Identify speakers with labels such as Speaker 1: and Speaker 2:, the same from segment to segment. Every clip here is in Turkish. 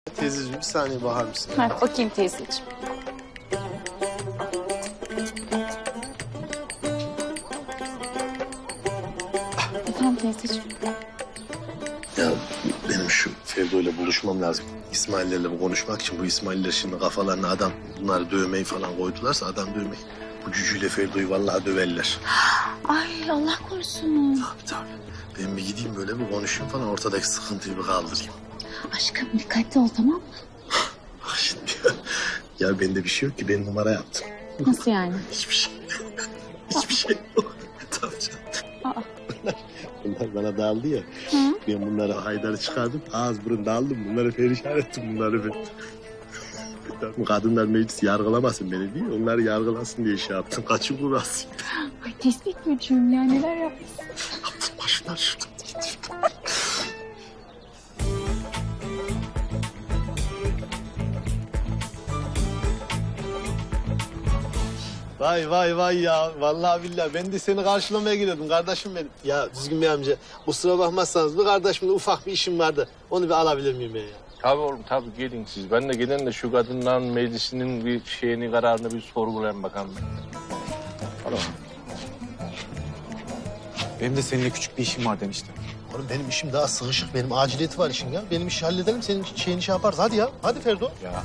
Speaker 1: Teyzeciğim bir saniye bakar mısın?
Speaker 2: Ha, bakayım teyzeciğim. Efendim teyzeciğim.
Speaker 1: Ya benim şu Ferdo'yla buluşmam lazım. İsmail'lerle konuşmak için bu İsmail'ler şimdi kafalarına adam bunları dövmeyi falan koydularsa adam dövmeyi. Bu cücüyle Ferdo'yu vallahi döverler.
Speaker 2: Ay Allah korusun.
Speaker 1: Tabii. Ben bir gideyim böyle bir konuşayım falan ortadaki sıkıntıyı bir kaldırayım.
Speaker 2: Aşkım dikkatli ol tamam mı?
Speaker 1: Bak şimdi ya bende bir şey yok ki ben numara yaptım.
Speaker 2: Nasıl yani?
Speaker 1: Hiçbir şey yok. Hiçbir şey yok. Tabii canım.
Speaker 2: Aa.
Speaker 1: Bunlar bana dağıldı ya.
Speaker 2: Hı?
Speaker 1: Ben bunları Haydar'ı çıkardım. Ağız burun dağıldım. Bunları perişan ettim bunları ben. Bu kadınlar meclis yargılamasın beni değil. Onları yargılasın diye şey yaptım. Kaçın burası.
Speaker 2: Ay tespih gücüm ya neler yapmışsın.
Speaker 1: Yaptım başımdan şuradan getirdim. Vay vay vay ya. Vallahi billahi ben de seni karşılamaya geliyordum kardeşim benim. Ya düzgün bir amca kusura bakmazsanız bir kardeşimle ufak bir işim vardı. Onu bir alabilir miyim ben ya?
Speaker 3: Tabii oğlum tabii gelin siz. Ben de gelen de şu kadınların meclisinin bir şeyini kararını bir sorgulayayım bakalım. Tamam.
Speaker 4: Benim de seninle küçük bir işim var demiştim.
Speaker 1: Oğlum benim işim daha sıkışık. Benim aciliyeti var işin ya. Benim işi halledelim. Senin şeyini şey yaparız. Hadi ya. Hadi Ferdo.
Speaker 4: Ya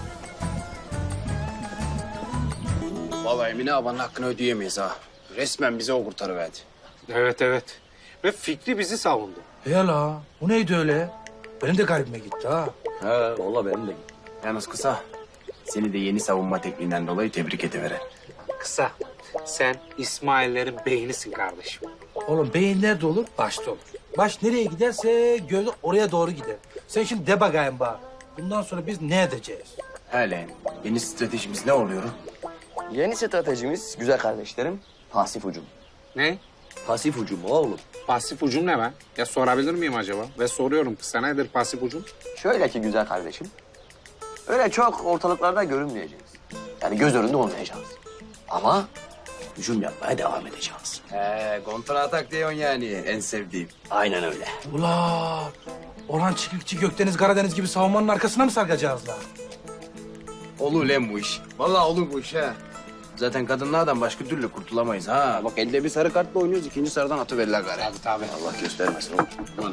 Speaker 5: Vallahi Emine abanın hakkını ödeyemeyiz ha. Resmen bize o kurtarıverdi.
Speaker 6: Evet evet. Ve Fikri bizi savundu.
Speaker 7: Ya la, bu neydi öyle? Benim de kalbime gitti ha.
Speaker 5: He valla benim de. Yalnız kısa. Seni de yeni savunma tekniğinden dolayı tebrik ediveren.
Speaker 6: Kısa. Sen İsmail'lerin beynisin kardeşim.
Speaker 7: Oğlum beyin nerede olur? Başta olur. Baş nereye giderse göz oraya doğru gider. Sen şimdi de bakayım bana. Bundan sonra biz ne edeceğiz?
Speaker 5: Hele yeni stratejimiz ne oluyor?
Speaker 8: Yeni stratejimiz güzel kardeşlerim pasif hücum.
Speaker 6: Ne?
Speaker 8: Pasif hücum oğlum.
Speaker 6: Pasif ucum ne be? Ya sorabilir miyim acaba? Ve soruyorum kısa nedir pasif ucum?
Speaker 8: Şöyle ki güzel kardeşim. Öyle çok ortalıklarda görünmeyeceğiz. Yani göz önünde olmayacağız. Ama hücum yapmaya devam edeceğiz.
Speaker 5: Kontra atak diyorsun yani en sevdiğim.
Speaker 8: Aynen öyle.
Speaker 7: Ula, Orhan Çiftlikçi Gökdeniz Karadeniz gibi savunmanın arkasına mı sarkacağız la?
Speaker 5: Olur lan bu iş. Vallahi olur bu iş ha. Zaten kadınlardan başka türlü kurtulamayız ha. Bak elde bir sarı kartla oynuyoruz, ikinci sarıdan atıverirler gari.
Speaker 6: Tabii tabii.
Speaker 5: Allah göstermesin oğlum. Aman.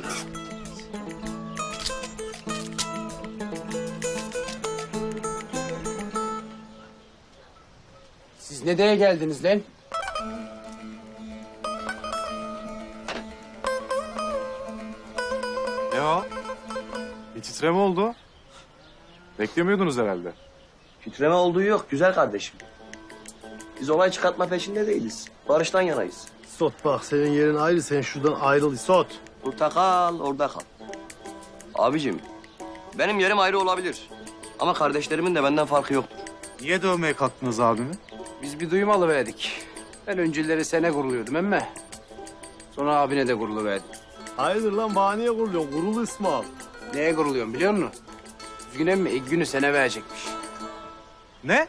Speaker 5: Siz nereye geldiniz lan?
Speaker 4: ne o? Bir titreme oldu. Beklemiyordunuz herhalde.
Speaker 8: Titreme olduğu yok güzel kardeşim. Biz olay çıkartma peşinde değiliz. Barıştan yanayız.
Speaker 1: Sot bak senin yerin ayrı. Sen şuradan ayrıl Sot.
Speaker 8: Burada kal, orada kal. Abicim, benim yerim ayrı olabilir. Ama kardeşlerimin de benden farkı yoktur.
Speaker 4: Niye dövmeye kalktınız abimi?
Speaker 5: Biz bir duyum alıverdik. Ben önceleri sene kuruluyordum emme. Sonra abine de kuruluverdim.
Speaker 1: Hayırdır lan bahaneye kuruluyorsun. Kurul İsmail.
Speaker 5: Neye kuruluyorum biliyor musun? Düzgün emmi ilk günü sene verecekmiş.
Speaker 4: Ne?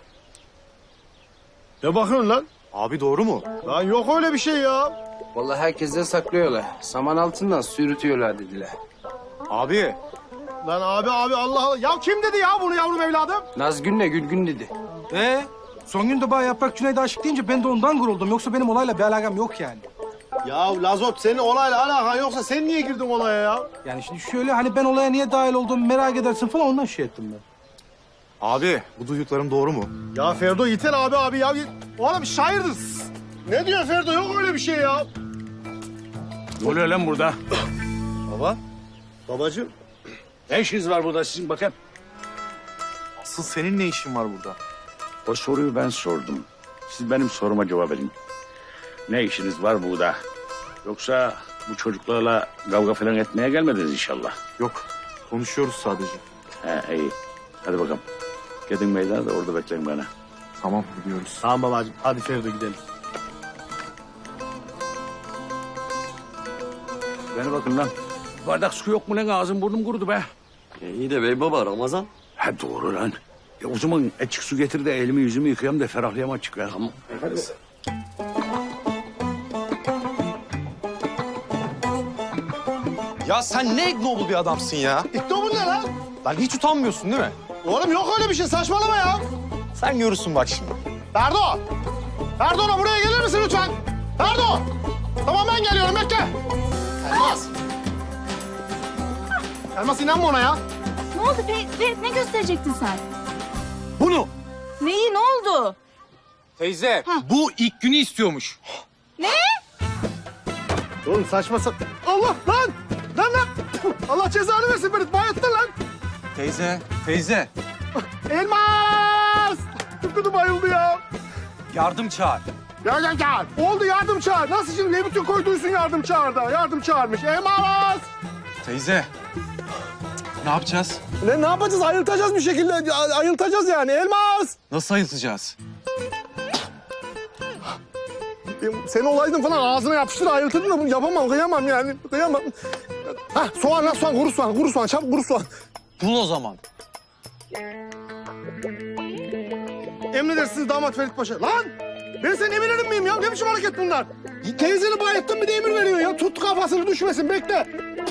Speaker 1: Ne bakıyorsun lan?
Speaker 4: Abi doğru mu?
Speaker 1: Lan yok öyle bir şey ya.
Speaker 5: Vallahi herkesten saklıyorlar. Saman altından sürütüyorlar dediler.
Speaker 4: Abi
Speaker 1: Lan abi Allah Allah. Ya kim dedi ya bunu yavrum evladım?
Speaker 5: Nazgün'le Gülgün dedi.
Speaker 7: Son gün de bana Yaprak Cüneyt'e aşık deyince ben de ondan guruldum. Yoksa benim olayla bir alakam yok yani.
Speaker 1: Ya Lazot senin olayla alakan yoksa sen niye girdin olaya ya?
Speaker 7: Yani şimdi şöyle hani ben olaya niye dahil olduğumu merak edersin falan ondan şey ettim ben.
Speaker 4: abi bu duyduklarım doğru mu?
Speaker 1: Ya Ferdo yeter abi ya. O adam şairdir. Ne diyor Ferdo? Yok öyle bir şey ya.
Speaker 3: Ne oluyor lan burada?
Speaker 1: Baba. Babacığım.
Speaker 3: Ne işiniz var burada sizin bakın?
Speaker 4: Asıl senin ne işin var burada?
Speaker 9: O soruyu ben sordum. Siz benim soruma cevap verin. Ne işiniz var burada? Yoksa bu çocuklarla kavga falan etmeye gelmediniz inşallah.
Speaker 4: Yok konuşuyoruz sadece.
Speaker 9: He iyi. Hadi bakalım. Gidin meydana da orada bekleyin bana.
Speaker 4: Tamam biliyoruz.
Speaker 1: Tamam babacığım. Hadi Ferdo gidelim.
Speaker 9: Bana bakın lan. Bardak su yok mu lan? Ağzım burnum kurudu be.
Speaker 8: İyi de bey baba Ramazan.
Speaker 9: Ha doğru lan. O zaman açık su getir de elimi yüzümü yıkayayım da ferahlayayım açık ya.
Speaker 8: Tamam.
Speaker 4: Ya sen ne ignoble bir adamsın ya.
Speaker 1: İşte bu ne lan?
Speaker 4: Lan hiç utanmıyorsun değil mi?
Speaker 1: Oğlum yok öyle bir şey saçmalama ya.
Speaker 4: Sen görürsün bak şimdi.
Speaker 1: Ferdo! Ferdo buraya gelir misin lütfen? Ferdo! Tamam ben geliyorum bekle. Elmas. Elmas inanma ona ya.
Speaker 2: Ne oldu Ferit? Ne gösterecektin sen?
Speaker 4: Bunu.
Speaker 2: Neyi? Ne oldu?
Speaker 4: Teyze bu ilk günü istiyormuş.
Speaker 1: Oğlum saçma Allah lan! Lan! Allah cezanı versin beni bayılttın lan.
Speaker 4: Teyze
Speaker 1: Elmas! Tıpkıdı bayıldı ya.
Speaker 4: yardım çağır.
Speaker 1: Ya. Oldu yardım çağır. Nasıl şimdi ne bütün koyduysun yardım çağır da. Yardım çağırmış. Elmas!
Speaker 4: Teyze ne yapacağız?
Speaker 1: Ne yapacağız? Ayıltacağız bir şekilde. Ayıltacağız yani. Elmas!
Speaker 4: Nasıl ayıltacağız?
Speaker 1: Sen olaydın falan ağzına yapıştır ayıltırdın da bunu yapamam. Kıyamam yani. Kıyamam. Hah soğan lan soğan. Kuru soğan. Çabuk kuru soğan.
Speaker 4: Bul o zaman.
Speaker 1: Emredersiniz damat Ferit Paşa. Lan! Ben senin emirlerin miyim ya? Ne biçim hareket bunlar? Teyzeni bayılttın bir de emir veriyor ya. Tut kafasını düşmesin bekle.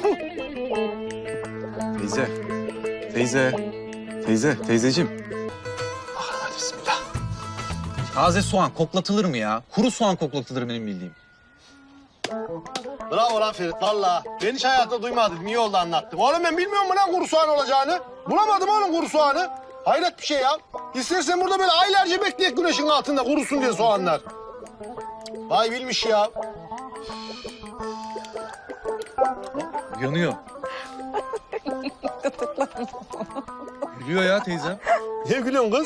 Speaker 4: Teyzeciğim. Hadi bismillah. Taze soğan koklatılır mı ya? Kuru soğan koklatılır benim bildiğim.
Speaker 1: Bravo lan Ferit valla. Ben hiç hayatta duymadım. İyi oldu anlattın. Oğlum ben bilmiyorum mu lan kuru soğan olacağını? Bulamadım oğlum kuru soğanı. Hayret bir şey ya. İstersen burada böyle aylarca bekleyek güneşin altında kurusun diye soğanlar. Vay bilmiş ya.
Speaker 4: Yanıyor. Gülüyor ya teyzem.
Speaker 1: Ne gülüyorsun kız?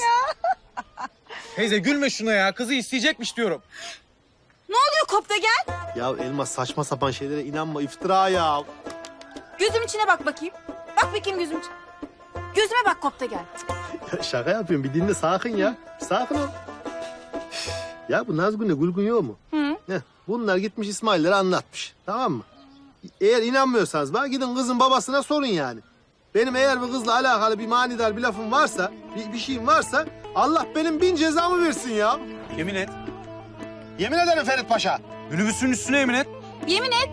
Speaker 4: Teyze gülme şuna ya. Kızı isteyecekmiş diyorum.
Speaker 2: Ne oluyor Kopta gel?
Speaker 1: Ya Elmas saçma sapan şeylere inanma iftira ya.
Speaker 2: Gözüm içine bak bakayım. Bak bakayım gözüm içine. Gözüme bak Kopta gel.
Speaker 1: Şaka yapıyorum bir dinle sakin ya. Sakin ol. Ya bu Nazgün'le Gülgün yok mu? Heh, bunlar gitmiş İsmail'lere anlatmış. Tamam mı? Eğer inanmıyorsanız bana gidin kızın babasına sorun yani. Benim eğer bu kızla alakalı bir manidar bir lafım varsa, bir şeyim varsa Allah benim 1000 cezamı versin ya.
Speaker 4: Yemin et.
Speaker 1: Yemin ederim Ferit Paşa.
Speaker 4: Minibüsün üstüne yemin et.
Speaker 2: Yemin et.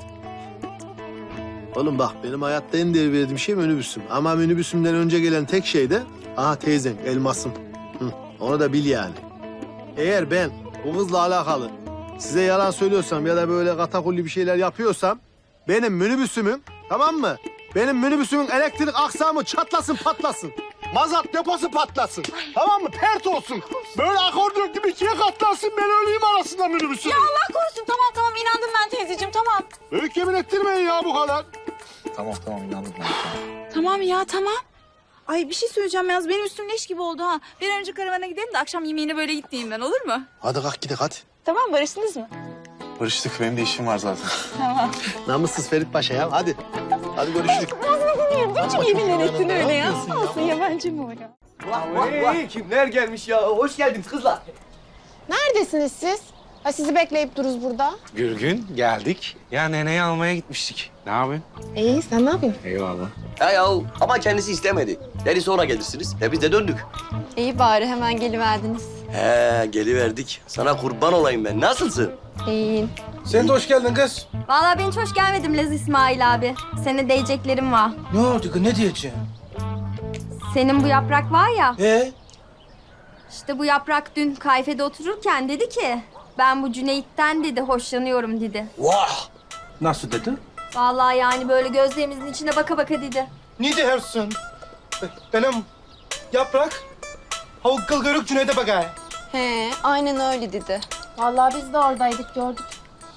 Speaker 1: Oğlum bak benim hayatta en değer verdiğim şey minibüsüm. Ama minibüsümden önce gelen tek şey de aha teyzen, elmasım. Hı, onu da bil yani. Eğer ben bu kızla alakalı size yalan söylüyorsam ya da böyle katakulli bir şeyler yapıyorsam benim minibüsümün tamam mı? Benim minibüsümün elektrik aksamı çatlasın patlasın. Mazot deposu patlasın. Tamam mı? Pert olsun. Böyle akordeon gibi ikiye katlansın. Ben öleyim arasında minibüsün.
Speaker 2: Ya Allah korusun. Tamam inandım ben teyzeciğim tamam.
Speaker 1: Büyük yemin ettirmeyin ya bu kadar.
Speaker 4: Tamam inandım ben.
Speaker 2: Tamam ya tamam. Ay bir şey söyleyeceğim yalnız benim üstüm leş gibi oldu ha. Bir an önce karavana gidelim de akşam yemeğine böyle gitmeyeyim ben olur mu?
Speaker 1: Hadi kalk gidelim hadi.
Speaker 2: Tamam barıştınız mı?
Speaker 4: Barıştık. Benim de işim var zaten.
Speaker 1: Namussuz Ferit Paşa ya hadi. Hadi görüşürüz.
Speaker 2: Niçin yeminler ettin öyle ya? Olsun yabancı mı o ya?
Speaker 5: Vah, kimler gelmiş ya? Hoş geldiniz kızlar.
Speaker 10: Neredesiniz siz? Ha, sizi bekleyip dururuz burada.
Speaker 6: Gürgün geldik. Ya neneyi almaya gitmiştik. Ne yapıyorsun?
Speaker 10: İyi, sen ne yapıyorsun?
Speaker 6: Eyvallah.
Speaker 8: Ya ama kendisi istemedi. Dedi sonra gelirsiniz. Biz de döndük.
Speaker 10: İyi bari, hemen geliverdiniz.
Speaker 8: Geliverdik. Sana kurban olayım ben. Nasılsın?
Speaker 10: İyiyim.
Speaker 7: Sen de hoş geldin kız.
Speaker 10: Vallahi ben hiç hoş gelmedim Lez İsmail abi. Senin diyeceklerim var.
Speaker 7: Ne oldu kız, ne diyeceğim?
Speaker 10: Senin bu yaprak var ya,
Speaker 7: İşte
Speaker 10: bu yaprak dün kayfede otururken dedi ki... ...ben bu Cüneyt'ten dedi, hoşlanıyorum dedi.
Speaker 7: Vah! Nasıl dedi?
Speaker 10: Vallahi yani böyle gözlerimizin içine baka baka dedi.
Speaker 1: Ne diyorsun? Benim yaprak. Havuk kılgırık Cüneyt'e bakay.
Speaker 10: He, aynen öyle dedi.
Speaker 2: Vallahi biz de oradaydık gördük.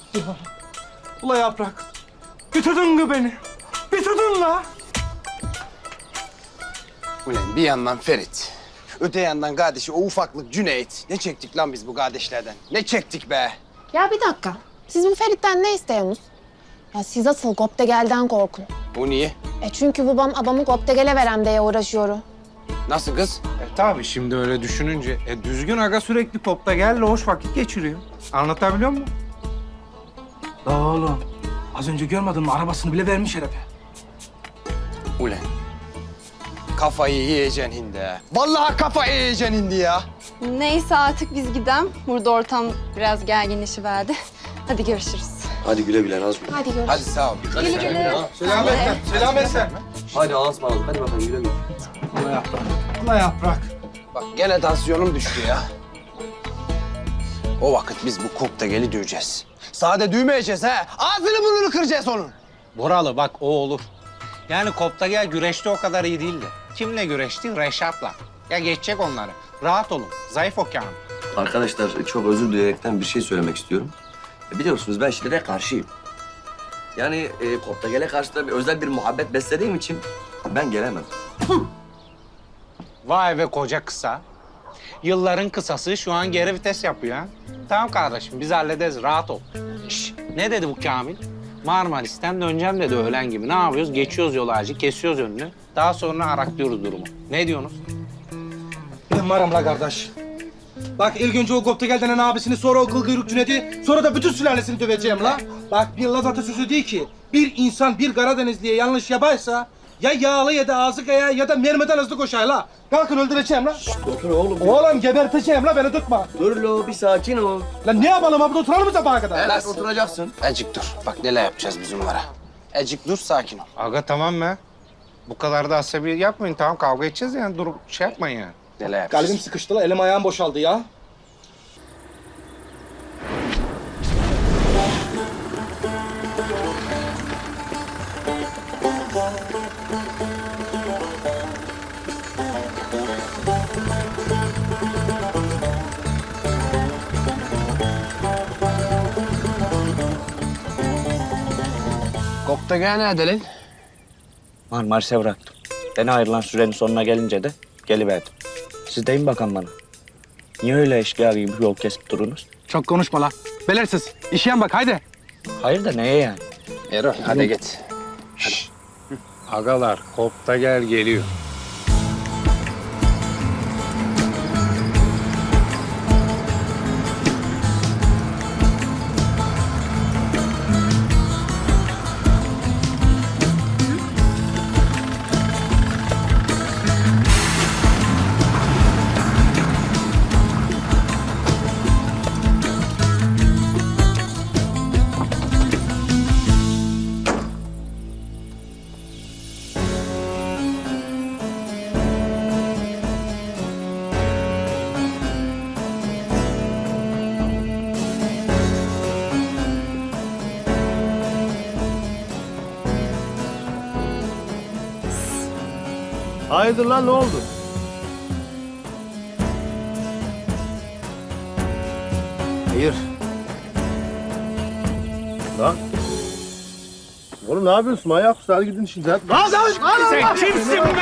Speaker 7: Ula yaprak. Bitirdin kız beni. Bitirdin la.
Speaker 5: Ulan bir yandan Ferit, öte yandan kardeşi o ufaklık Cüneyt. Ne çektik lan biz bu kardeşlerden? Ne çektik be?
Speaker 10: Ya bir dakika. Siz bu Ferit'ten ne istiyorsunuz? Ya siz asıl Goptegel'den korkun.
Speaker 5: O niye?
Speaker 10: Çünkü babam adamı Goptegel'e verem diye uğraşıyor.
Speaker 5: Nasıl kız?
Speaker 6: Tabii şimdi öyle düşününce. Düzgün aga sürekli popta gel hoş vakit geçiriyor. Anlatabiliyor muyum?
Speaker 7: La oğlum. Az önce görmedin mi? Arabasını bile vermiş herife.
Speaker 5: Ulan. Kafayı yiyeceksin hindi. Vallahi kafayı yiyeceksin hindi ya.
Speaker 10: Neyse artık biz gidelim. Burada ortam biraz gerginleşiverdi. Hadi görüşürüz.
Speaker 8: Hadi güle güle Nazmi.
Speaker 2: Hadi görüşürüz.
Speaker 5: Hadi sağ ol.
Speaker 2: Güle güle.
Speaker 7: Selametle.
Speaker 8: Hadi Allah'a ısmarladık. Hadi bakalım güle güle.
Speaker 7: Ulan yaprak.
Speaker 5: Bak gene tansiyonum düştü ya. O vakit biz bu Koptegeli döveceğiz. Sade düğmeyeceğiz ha. Ağzını burnunu kıracağız onun.
Speaker 6: Buralı bak o olur. Yani Koptegel güreşte o kadar iyi değildi. Kimle güreşti? Reşat'la. Ya geçecek onları. Rahat olun. Zayıf o Kamil.
Speaker 8: Arkadaşlar çok özür dileyerekten bir şey söylemek istiyorum. Biliyorsunuz ben şiddete karşıyım. Yani Koptegel'e karşı da özel bir muhabbet beslediğim için ben gelemem.
Speaker 6: Vay be koca kısa. Yılların kısası şu an geri vites yapıyor ha. Tamam kardeşim biz hallederiz rahat ol. Şş, ne dedi bu Kamil? Marmaris'ten döneceğim dedi öğlen gibi. Ne yapıyoruz? Geçiyoruz yol ağacı, kesiyoruz önünü. Daha sonra araklıyoruz durumu. Ne diyorsunuz?
Speaker 7: Ben varım la kardeş. Bak ilk önce o Koptegel denen abisini, sonra o kıl kuyruk Cüneyt'i, sonra da bütün sülalesini döveceğim la. Bak bir Laz atasözü değil ki, bir insan bir Karadenizli'ye yanlış yaparsa ya yağlı ya da ağzı kaya ya da mermiden hızlı koşar la. Kalkın öldüreceğim la.
Speaker 8: Otur oğlum.
Speaker 7: Oğlum geberteceğim la, beni tutma.
Speaker 8: Dur lo bir sakin ol.
Speaker 7: Lan ne yapalım abi, oturalım mı sabaha kadar?
Speaker 8: Evet oturacaksın.
Speaker 5: Ecik dur. Bak neler yapacağız biz onlara. Ecik dur sakin ol.
Speaker 6: Aga tamam be. Bu kadar da asabi yapmayın. Tamam kavga edeceğiz yani. Durup şey yapmayın yani.
Speaker 5: Neler yapacağız?
Speaker 7: Kalbim sıkıştı la, elim ayağım boşaldı ya.
Speaker 5: Koptegel nerede lan?
Speaker 11: Marmaris'e bıraktım. Beni ayrılan sürenin sonuna gelince de geliverdim. Siz deyin bakalım bana. Niye öyle eşkıya gibi yol kesip durunuz?
Speaker 7: Çok konuşma la. Belirsiz. İşeyen bak haydi.
Speaker 11: Hayır da neye yani?
Speaker 5: Erol hadi git.
Speaker 6: Agalar Koptegel geliyor.
Speaker 1: Hayırdır lan ne oldu?
Speaker 5: Hayır.
Speaker 1: Lan. Oğlum ne yapıyorsun? Manyak mısın? Hadi gidin şimdi. Hadi.
Speaker 6: Sen kimsin be?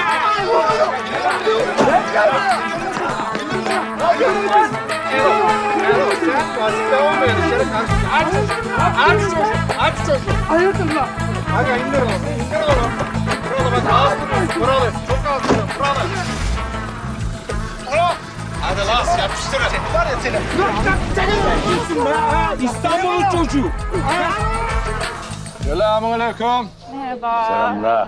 Speaker 7: Aga indir oğlum. İndir oğlum. Buralı bak ağız durun. Buralı. Çok ağız durun. Buralı.
Speaker 6: Hadi Laz yapıştır.
Speaker 7: Var ya seni. Kimsin be? İstanbul'un çocuğu.
Speaker 3: Selamünaleyküm.
Speaker 2: Merhaba.
Speaker 9: Selamlar.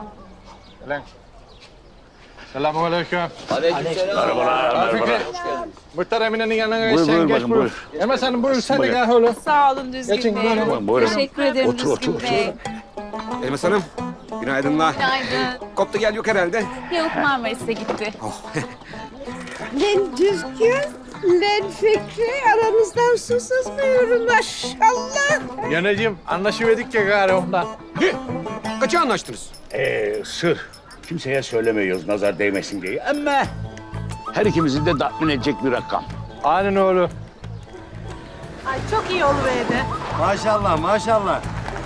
Speaker 3: Selamünaleyküm.
Speaker 8: Aleykümselam.
Speaker 9: Merhabalar.
Speaker 3: Fikri. Muhtar Emine'nin yanına
Speaker 9: Buyur,
Speaker 3: sen
Speaker 9: buyur
Speaker 3: geç
Speaker 9: bakın,
Speaker 3: buyur.
Speaker 9: buyur.
Speaker 3: Hemen sen buyur sen de
Speaker 9: Buyur.
Speaker 3: gel öyle.
Speaker 2: Sağ olun Düzgün
Speaker 3: Geçin,
Speaker 2: Bey.
Speaker 3: buyurun.
Speaker 9: Buyurun.
Speaker 2: Teşekkür ederim
Speaker 9: Otur,
Speaker 2: Düzgün
Speaker 9: otur,
Speaker 2: Bey.
Speaker 6: Elmas Hanım, günaydınlar.
Speaker 2: Günaydın.
Speaker 6: Koptegel yok herhalde.
Speaker 2: Yok Marmaris'e gitti.
Speaker 12: Lan Düzgün, lan Fikri aranızdan su sızmıyorum maşallah.
Speaker 3: Yanacığım anlaşıverdik ya gari ondan.
Speaker 6: Kaça anlaştınız?
Speaker 9: Sır. Kimseye söylemiyoruz nazar değmesin diye. Ama her ikimizi de tatmin edecek bir rakam.
Speaker 3: Aynen öyle.
Speaker 12: Ay çok iyi oluverdi.
Speaker 1: Maşallah maşallah.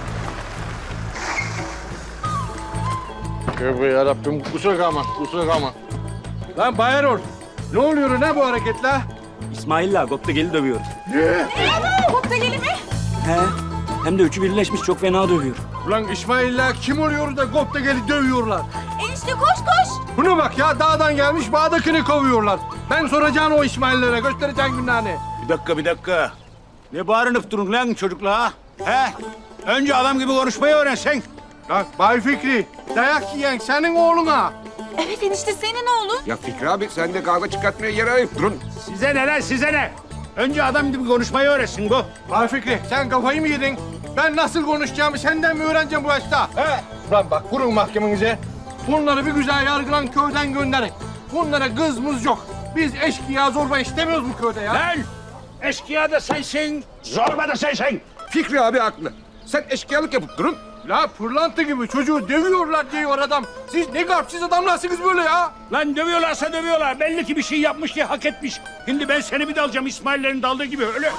Speaker 3: Tövbe yarabbim kusura kalma kusura kalma.
Speaker 7: Lan Bayerol. Ne oluyor ne bu hareketler?
Speaker 11: İsmail'le Koptegel'i dövüyor.
Speaker 2: Koptegeli mi?
Speaker 11: He. Hem de üçü birleşmiş çok fena dövüyor.
Speaker 7: Ulan İsmail'le kim oluyor da Koptegel'i dövüyorlar?
Speaker 2: Enişte koş koş.
Speaker 7: Buna bak ya dağdan gelmiş bağdakini kovuyorlar. Ben soracağım o İsmail'lere göstereceğim günahını.
Speaker 9: Bir dakika. Ne bağırınıp durun lan çocukla? He? Önce adam gibi konuşmayı öğrensen.
Speaker 7: Bak Bay Fikri dayak yiyen senin oğluna.
Speaker 2: Evet enişte senin oğlun.
Speaker 6: Ya Fikri abi sen de kavga çıkartmaya yer arayıp durun.
Speaker 9: Size ne lan size ne? Önce adam gibi konuşmayı öğrensin bu.
Speaker 7: Bay Fikri sen kafayı mı yedin?
Speaker 3: Ben nasıl konuşacağımı senden mi öğreneceğim bu yaşta? He? Lan bak kurun mahkemenize. Bunları bir güzel yargılan köyden gönderin. Bunlara kızımız yok. Biz eşkıya zorba istemiyoruz bu köyde ya.
Speaker 9: Lan! Eşkıya da sensin, zorba da sensin.
Speaker 7: Fikri abi haklı. Sen eşkıyalık yapıp durun.
Speaker 3: La pırlanta gibi çocuğu dövüyorlar diyor adam. Siz ne garpsiz adamlarsınız böyle ya.
Speaker 9: Lan dövüyorlarsa dövüyorlar. Belli ki bir şey yapmış diye hak etmiş. Şimdi ben seni bir dalacağım İsmail'lerin daldığı gibi öyle.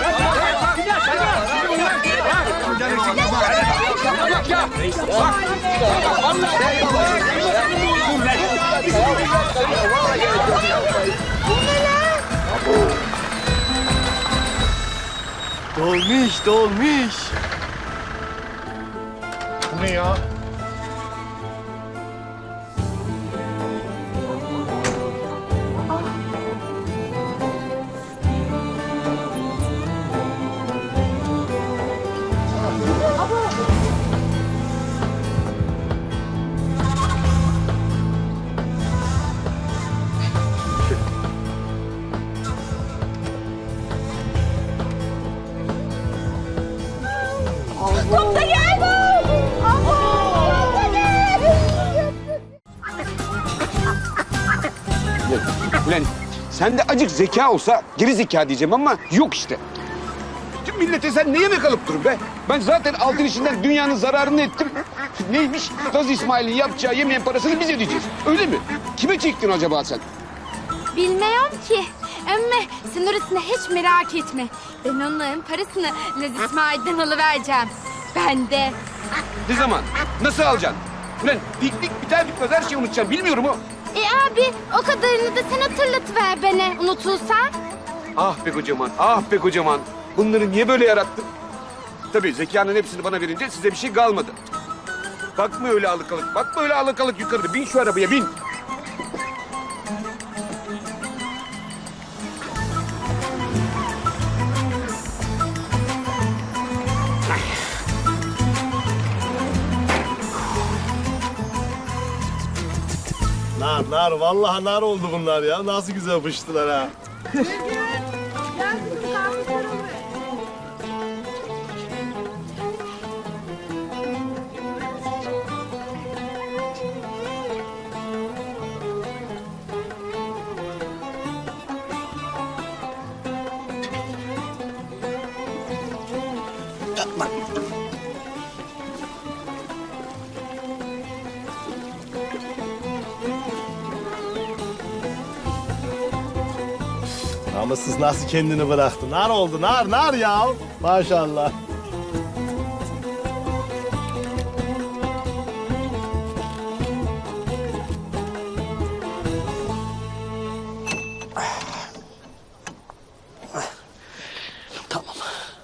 Speaker 1: Dolmuş, dolmuş.
Speaker 3: Bu ne ya?
Speaker 12: Kopta gel! Kopta gel!
Speaker 5: Ulan sen de acık zeka olsa geri zeka diyeceğim ama yok işte. Tüm millete sen neye mi kalıp durun be? Ben zaten altın işinden dünyanın zararını ettim. Neymiş? Gaz İsmail'in yapacağı yemeğin parasını biz ödeyeceğiz. Öyle mi? Kime çektin acaba sen?
Speaker 10: Bilmiyorum ki. Ama sen orasını hiç merak etme. Ben onların parasını Laz İsmail'den alıvereceğim. Ben de.
Speaker 5: Ne zaman? Nasıl alacaksın? Ulan piknik biter bitmez her şeyi unutacaksın. Bilmiyorum o.
Speaker 10: Abi o kadarını da sen hatırlatıver bana unutulsan.
Speaker 5: Ah be kocaman, ah be kocaman. Bunları niye böyle yarattın? Tabii zekanın hepsini bana verince size bir şey kalmadı. Bakma öyle alıkalık, bakma öyle alıkalık yukarıda. Bin şu arabaya, bin.
Speaker 1: Nar, vallahi nar oldu bunlar ya. Nasıl güzel pıştılar ha. Namussuz nasıl kendini bıraktı? Nar oldu, nar ya. Maşallah.
Speaker 8: Tamam.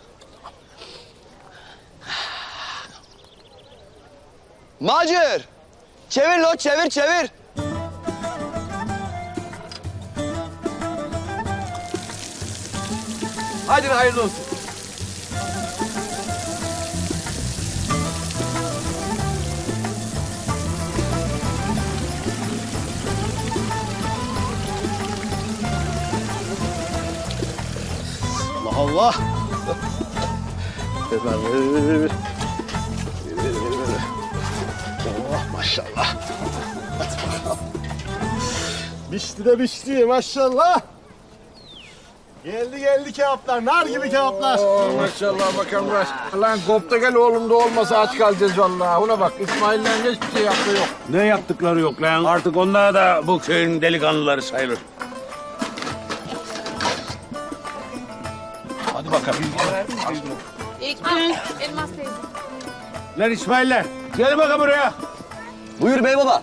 Speaker 8: Macir! Çevir lo, çevir. Hadi hayırlı olsun.
Speaker 1: Allah Allah. Ver. Oh maşallah. Hadi bakalım. Bişti maşallah. Geldi kebaplar, nar gibi kebaplar.
Speaker 3: Maşallah bakalım baş. Lan kopta gel oğlum da olmasa aç kalacağız vallahi. Ona bak İsmail'den hiçbir şey yaptığı yok.
Speaker 9: Ne yaptıkları yok lan. Artık onlar da bu köyün delikanlıları sayılır.
Speaker 1: Hadi bakalım.
Speaker 12: Elmas teyze.
Speaker 9: Lan İsmail'ler gelin bakalım buraya.
Speaker 8: Buyur bey baba.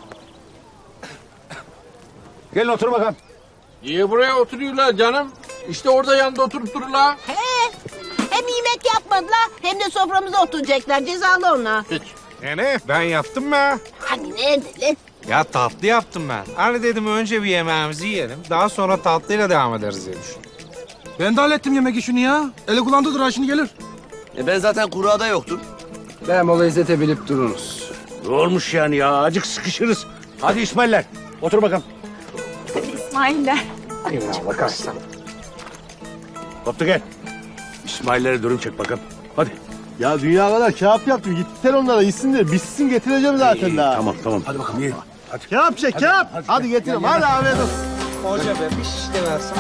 Speaker 9: Gelin otur bakalım.
Speaker 3: Niye buraya oturuyorlar canım? İşte orada yanında oturup dururlar.
Speaker 12: Hem yemek yapmadılar hem de soframıza oturacaklar. Cezalı onlar.
Speaker 3: Hiç.
Speaker 6: Yani ben yaptım mı?
Speaker 12: Hani nerede lan?
Speaker 6: Ya tatlı yaptım ben. Hani dedim önce bir yemeğimizi yiyelim. Daha sonra tatlıyla devam ederiz diye düşündüm.
Speaker 7: Ben de hallettim yemek işini ya. Ele kulağındadır ha şimdi gelir.
Speaker 8: Ben zaten kurada yoktum.
Speaker 5: Ben o lezzete bilip dururuz.
Speaker 9: Ne olmuş yani ya? Acık sıkışırız. Hadi İsmail'ler otur bakalım.
Speaker 2: İsmail'ler.
Speaker 6: Eyvallah kaçsana.
Speaker 9: Koptu gel. İsmail'lere dürüm çek bakalım. Hadi.
Speaker 1: Ya dünya kadar kebap yaptım. Gittiler onlara yesinler. Bitsin getireceğim zaten daha.
Speaker 9: Tamam.
Speaker 1: Hadi bakalım ye. Hadi. Kebap çek kebap. Hadi getirin. Hadi afiyet olsun.
Speaker 7: Hoca be bir şiş de versen.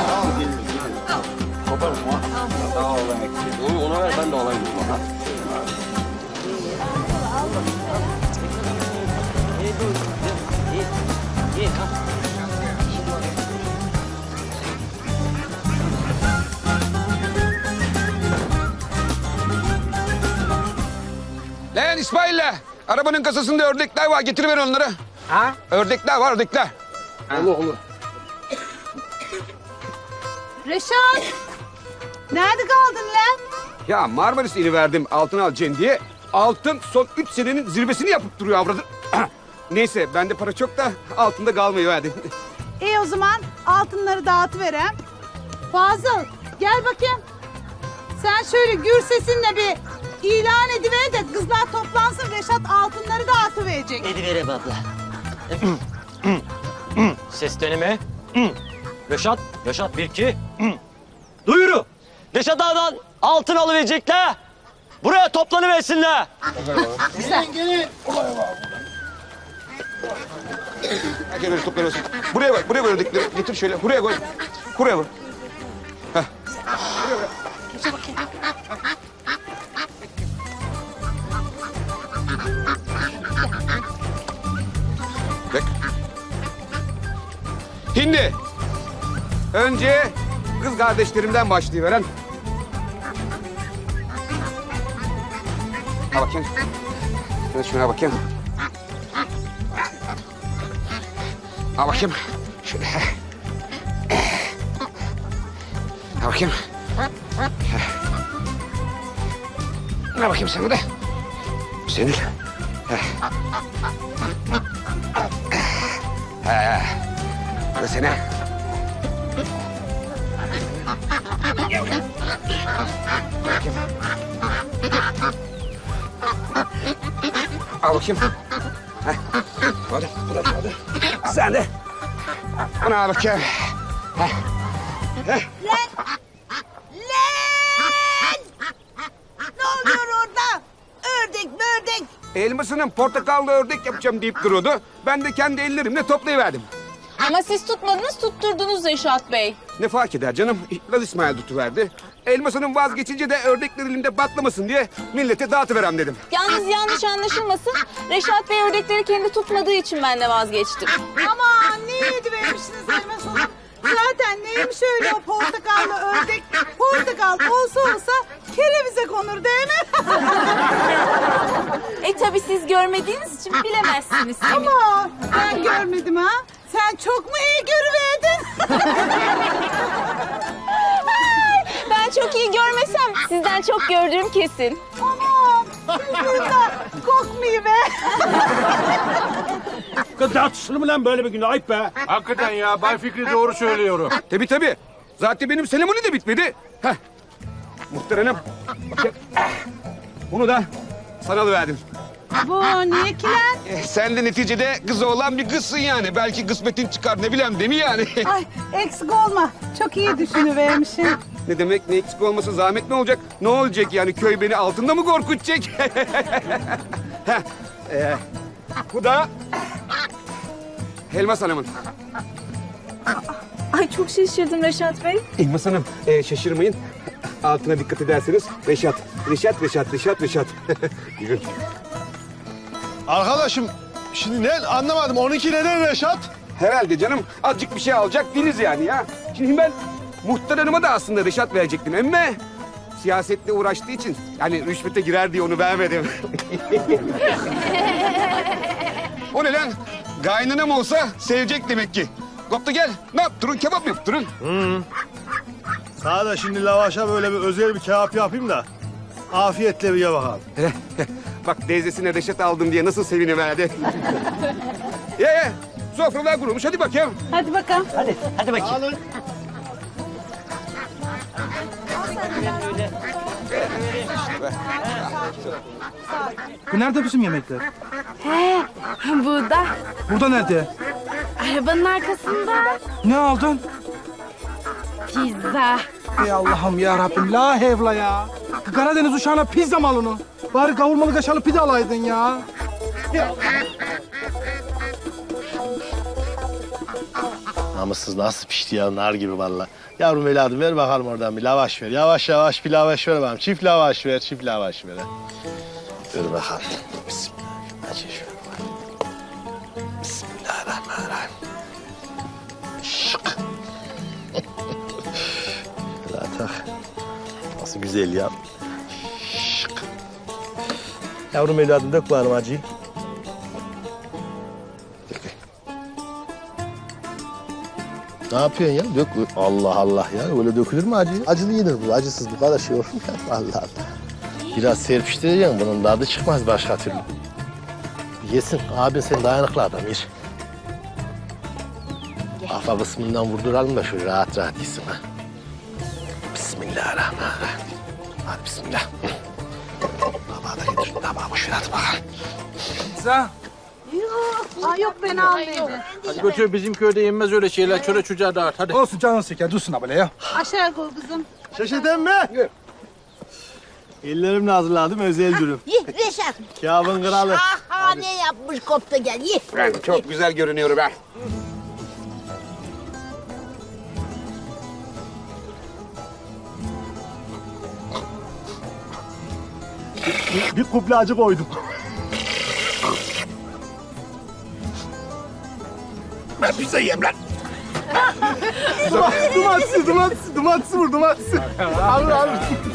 Speaker 8: Onu ver ben de alayım.
Speaker 5: Lan İsmail'le arabanın kasasında ördekler var. Getiriver onları.
Speaker 6: Ha?
Speaker 5: Ördekler var ördekler.
Speaker 6: Olur.
Speaker 12: Reşat! Nerede kaldın lan?
Speaker 5: Ya Marmaris ili verdim altın alacaksın diye. Altın son 3 senenin zirvesini yapıp duruyor avradı. Neyse bende para çok da altında kalmayı verdim.
Speaker 12: İyi o zaman altınları dağıtıverem. Fazıl gel bakayım. Sen şöyle gür sesinle bir ilan ediver de kızlar toplansın. Reşat altınları dağıtıverecek.
Speaker 13: Ediverem abla. Ses deneme. Reşat, Reşat 1 2. Duyuru. Reşat Ağa'dan altın alıverecekler. Buraya toplanıversinler.
Speaker 5: Gel öyle toplanıyorsun. Buraya bak, buraya koy ördekleri. Getir şöyle, buraya koy. Buraya koy. Heh. Bak. Şimdi önce kız kardeşlerimden başlayıveren. Ha bakayım. Ben şuna bakayım. Ha bakayım. Şöyle. Ha bakayım. Ha bakayım sana da. Senin. Bu da senin. Al bakayım. Hadi, hadi. Sen de. Bana al bakayım.
Speaker 12: Lan! Ne oluyor orada? Ördek bördek.
Speaker 5: Elmasının portakallı ördek yapacağım deyip duruyordu. Ben de kendi ellerimle toplayıverdim.
Speaker 2: Ama siz tutmadınız, tutturdunuz Reşat Bey.
Speaker 5: Ne fark eder canım? Laz İsmail tutuverdi. Elmasının vazgeçince de ördekler elimde patlamasın diye millete dağıtıverem dedim.
Speaker 2: Yalnız yanlış anlaşılmasın. Reşat Bey ördekleri kendi tutmadığı için ben de vazgeçtim.
Speaker 12: Aman ne yedivermişsiniz Elmas Hanım? Zaten neymiş öyle o portakallı ördek? Portakal olsa kerevize konur değil mi?
Speaker 2: Tabii siz görmediğiniz için bilemezsiniz.
Speaker 12: Ama ben görmedim ha. Sen çok mu iyi görüverdin?
Speaker 2: Ben çok iyi görmesem sizden çok gördüğüm kesin.
Speaker 12: Aman sizden kokmuyor be.
Speaker 9: Kız tartışılır mı lan böyle bir günde? Ayıp be.
Speaker 3: Hakikaten ya Bay Fikri doğru söylüyor.
Speaker 5: Tabii. Zaten benim selemoni de bitmedi. Heh. Muhterem. Bakayım. Bunu da sana alıverdim.
Speaker 12: Bu niye ki lan?
Speaker 5: Sen de neticede kızı olan bir kızsın yani. Belki kısmetin çıkar ne bileyim değil mi yani?
Speaker 12: Ay eksik olma. Çok iyi düşünüvermişsin.
Speaker 5: Ne demek ne eksik olması zahmet ne olacak? Ne olacak yani köy beni altında mı korkutacak? Heh, bu da Elmas Hanım'ın.
Speaker 2: Ay çok şaşırdım Reşat Bey.
Speaker 5: Elmas Hanım şaşırmayın. Altına dikkat ederseniz Reşat. Yürü.
Speaker 1: Arkadaşım şimdi ne anlamadım. 12 neden Reşat?
Speaker 5: Herhalde canım azıcık bir şey alacak değiliz yani ya. Şimdi ben Muhtar Hanım'a da aslında Reşat verecektim ama siyasetle uğraştığı için yani rüşvete girer diye onu vermedim. O ne lan? Kaynanam olsa sevecek demek ki. Koptu gel. Ne yaptırın? Kebap mı yaptırın?
Speaker 1: Sana da şimdi lavaşa böyle bir özel bir kebap yapayım da afiyetle bir ye bakalım.
Speaker 5: Bak teyzesine Reşat aldım diye nasıl seviniverdi. Ye. Sofralar kurulmuş. Hadi bakayım.
Speaker 12: Hadi bakalım.
Speaker 13: Hadi bakayım.
Speaker 7: Bu nerede bizim yemekler?
Speaker 10: Burada.
Speaker 7: Burada nerede?
Speaker 10: Arabanın arkasında.
Speaker 7: Ne aldın?
Speaker 10: Pizza.
Speaker 7: Ey Allah'ım ya Rabbim la hevla ya. Karadeniz uşağına pizza mı al onu? Bari kavurmalı kaşarlı pide alaydın ya.
Speaker 1: Namussuz nasıl pişti ya, nar gibi vallahi. Yavrum evladım ver bakalım oradan bir lavaş ver. Yavaş yavaş bir lavaş ver bakalım. Çift lavaş ver, çift lavaş ver. Ha. Ver bakalım. Bismillah. Aç şöyle bakalım. Bismillahirrahmanirrahim. Şık. Hele tak. Nasıl güzel ya. Şık. Yavrum evladım dök bakalım acıyı. Ne yapıyorsun ya? Dök. Allah Allah ya. Öyle dökülür mü acı? Acılı yenir bu. Acısız bu kadar şey olur mu ya? Allah Allah. Biraz serpiştireceksin. Bunun tadı çıkmaz başka türlü. Yesin. Abin sen dayanıklı adam. Yer. Kafa kısmından vurduralım da şöyle rahat rahat yesin ha. Bismillahirrahmanirrahim. Hadi bismillah. Tabağı da getir. Tabağı boş ver hadi bakalım.
Speaker 7: Pizza.
Speaker 12: Yok ben almayayım.
Speaker 3: Hadi götür, bizim köyde yenmez öyle şeyler. Çöre çocuğa dağıt hadi.
Speaker 7: Olsun canın şeker, dursun ha böyle ya.
Speaker 12: Aşağı koy kızım.
Speaker 1: Şaşırdın mı? Ellerimle hazırladım özel dürüm.
Speaker 12: Ye Reşat.
Speaker 1: Kâbın kralı.
Speaker 12: Ne yapmış kopta gel ye.
Speaker 5: Ben çok güzel görünüyorum ha.
Speaker 1: Bir kuple acı koydum.
Speaker 5: Ben pizza yiyeyim lan.
Speaker 1: Dumatsız vur, dumatsız. Al.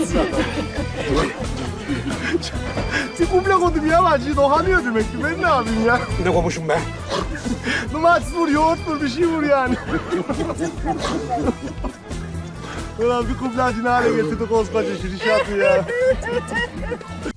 Speaker 1: Bir kuple koydum ya, acıyı dokanıyor demek ki. Ben ne yapayım ya?
Speaker 5: Ne komuşum be?
Speaker 1: Dumatsız vur, yoğurt vur, bir şey vur yani. Ulan bir kuple acını hale getirdi koskoca şu Rişat'ı ya.